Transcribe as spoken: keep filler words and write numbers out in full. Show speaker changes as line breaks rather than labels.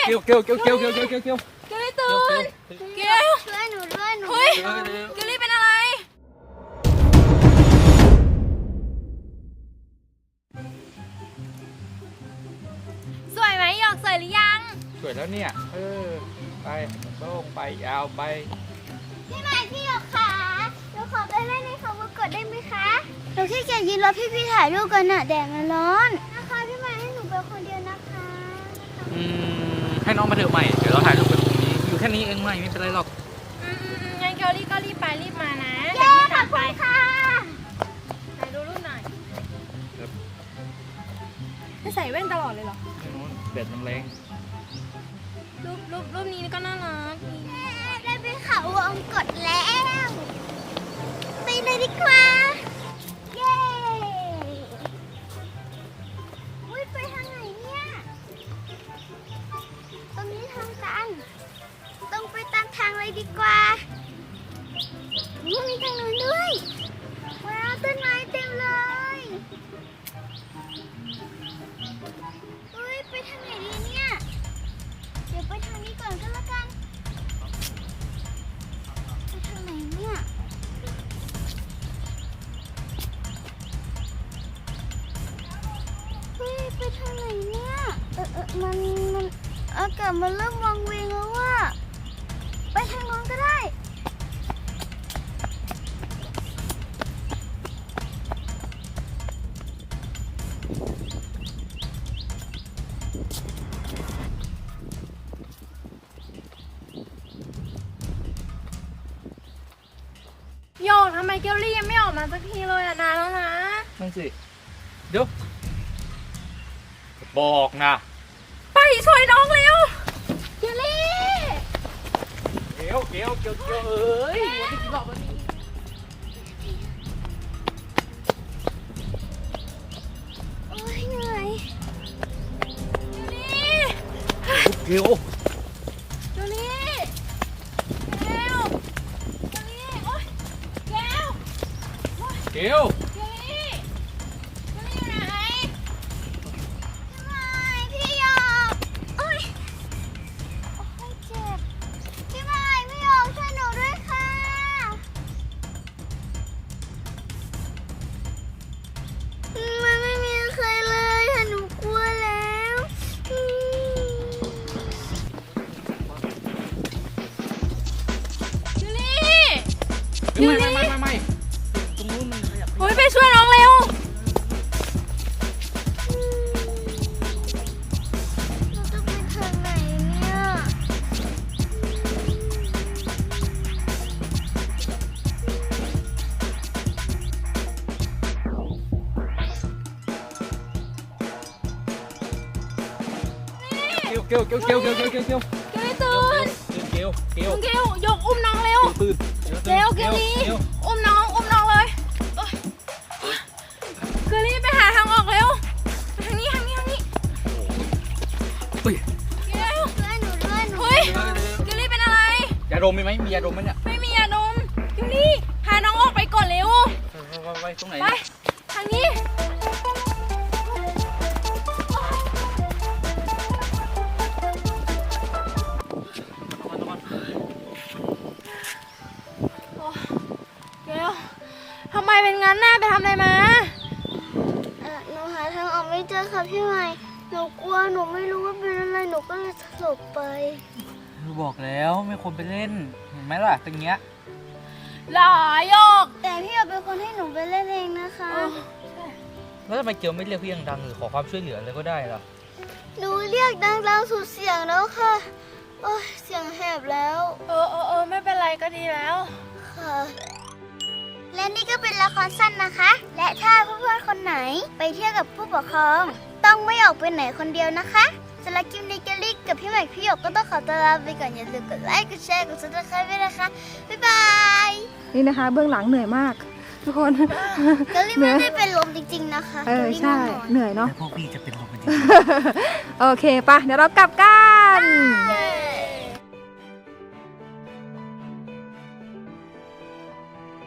เกลเกลเกลเกลเกลเกลเกลเกล
เกลลี่ตื่นเกลช่วยหนูด้วยหนูเฮ้ยเกลลี่เป็นอะไรสวยไหมหยอกสวยหรือยัง
สวยแล้วเนี่ยเออไปโต้งไปยาวไป
พี่ใหม่พี่หยอกขาหนูขอไปเล่นในเขาวงกตได้ไหมคะหนูแค่แค่ยืนรอพี่พี่ถ่ายรูปกันน่ะแดดมันร้อนนะคะพี่ใหม่ให้หนูไปคนเดียวนะคะ
อืมให้น้องมาเถอะใหม่เดี๋ยวเราถ่ายรูปกันตรงนี้อยู่แค่นี้เองใหม่ไม่เป็นไรหรอก
อืมงั้นเกลลี่ก็รีบไปรีบมานะเย้ขอบคุณค่ะถ่ายดูรูปหน่อยจะใส่แว่นตลอดเลยเหรอ
แดดมันแรง
รูปรูปรูปนี้ก็น่ารักได้ไปเขาวงกตแล้วไปเลยดีกว่าเย้อุ้ยไปทางไหนเนี่ยตรงนี้ทางตันต้องไปตามทางเลยดีกว่ามีทางนู้นด้วยว้าวต้นไม้เต็มเลยอุ้ยไปทางไหนดีเนี่ยเดี๋ยวไปทางนี้ก่อนก็แล้วกันไปทางไหนเนี่ยเฮ้ยไปทางไหนเนี่ยเออเออมันมันอากาศมันเริ่มวังเวงแล้วว่าไปทางโน้นก็ได้โยกทำไมเกลลี่ยังไม่ออกมาสักทีเลยอะนานแล้วนะ
นั่นสิเดี๋ยวบอกนะ
ไปช่วยน้องเร็วเกลลี่
เกลเกลเกลเกลเอ้ยวันนี้กี่รอบแล้วนี่
โอ้ยเหนื่อย
เกล
เกลลี่เกลลี่เกลลี่โอ๊ยเกล
เกล
เกลลี่เกลลี่อยู่ไหนทำไมพี่หยอกโอ๊ยโอ๊ยเจ็บพี่ใหม่พี่หยอกช่วยหนูด้วยค่ะมันไม่มีใครเลยค่ะหนูกลัวแล้วเกลลี่
ไม่ไม่ไม่ไม่ไม่ตรงนู้นมันขยับ
โอ๊ยไปช่วยน้องเร็วเราจะไปทางไหนเนี่ย
เกลเกลเกลเกลเกลเกลเกลเกล
เกลลี่ตื่น
เกลเกล
เกลยกอุ้มน้องเร็ว
ตื่น
เร็วเกลลี่อุ้มน้องอุ้มน้องเลยเกลลี่ไปหาทางออกเร็วทางนี้ทางนี้ทางนี้เกลช่วยหนูด้วยหนูเฮ้ยเกลลี่เป็นอะไร
ยาดมมีไหมมียาดมไหมเนี่ย
ไม่มียาดมเกลลี่พาน้องออกไปก่อนเร็ว
ไปไปตรงไหน
ไปทางนี้เกลทำไมเป็นงั้นน่ะไปทำอะไรมาเออหนูหาทางออกไม่เจอค่ะพี่ใหม่หนูกลัวหนูไม่รู้ว่าเป็นอะไรหนูก็เลยสลบไป
บอกแล้วไม่ควรไปเล่นเห็นไหมล่ะตรงเนี้ย
หลายยกแต่พี่อยากเป็นคนให้หนูไปเล่นเองนะคะ
แล้วทำไมเกลไม่เรียกพี่ดังๆหรือขอความช่วยเหลืออะไรก็ได้ล่ะ
หนูเรียกดังๆสุดเสียงแล้วค่ะโอ้ยเสียงแหบแล้วเออเออเออไม่เป็นไรก็ดีแล้วค่ะและนี่ก็เป็นละครสั้นนะคะและถ้าเพื่อนๆคนไหนไปเที่ยวกับผู้ปกครองต้องไม่ออกไปไหนคนเดียวนะคะสำหรับคลิปนี้เกลลี่กับพี่ใหม่พี่หยกก็ต้องขอตัวลาไปก่อนอย่าลืมกดไลค์กดแชร์กดซับสไครป์ด้วยนะคะบ๊ายบาย
นี่นะคะเบื้องหลังเหนื่อยมากทุกคน
เกลลี่ไม่ได้เป็นลมจริงๆนะคะ
เออใช่เหนื่อยเนาะ
พวกพี่จะเป็นลมจริง
โอเคปะเดี๋ยวเรากลับกัน